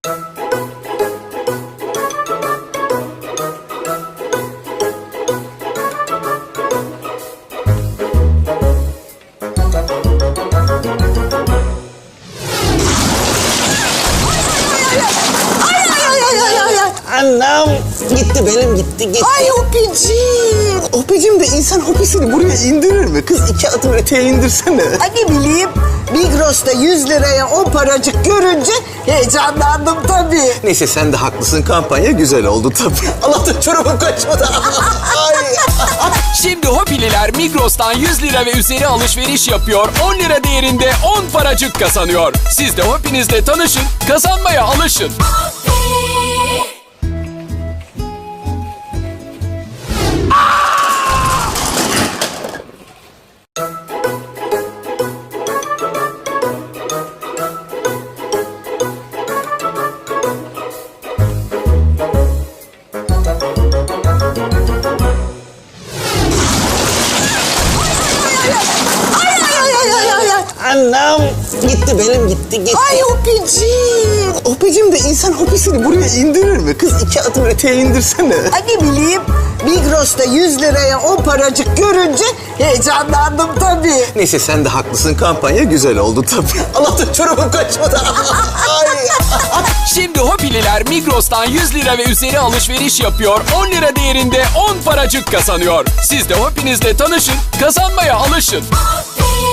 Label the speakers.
Speaker 1: Anam gitti, benim gitti.
Speaker 2: Ay Hopiciğim.
Speaker 1: Hopicim de insan hopisini buraya indirir mi? Kız 2 adım öteye indirsene.
Speaker 2: Ay ne bileyim, Migros'ta 100 liraya 10 paracık görünce heyecanlandım tabii.
Speaker 1: Neyse sen de haklısın, kampanya güzel oldu tabii. Allah'tan çorabım kaçmadı. Ay.
Speaker 3: Şimdi Hopililer Migros'tan 100 lira ve üzeri alışveriş yapıyor, 10 lira değerinde 10 paracık kazanıyor. Siz de Hopinizle tanışın, kazanmaya alışın.
Speaker 1: Anam gitti, benim gitti.
Speaker 2: Ay Hopiciğim.
Speaker 1: Hopicim de insan hopisini buraya indirir mi? Kız 2 adım öteye indirsene.
Speaker 2: Ay ne bileyim, Migros'ta 100 liraya 10 paracık görünce heyecanlandım tabii.
Speaker 1: Neyse sen de haklısın, kampanya güzel oldu tabii. Allah'tan çorabım kaçmadı. Ay.
Speaker 3: Şimdi Hopililer Migros'tan 100 lira ve üzeri alışveriş yapıyor, 10 lira değerinde 10 paracık kazanıyor. Siz de Hopinizle tanışın, kazanmaya alışın.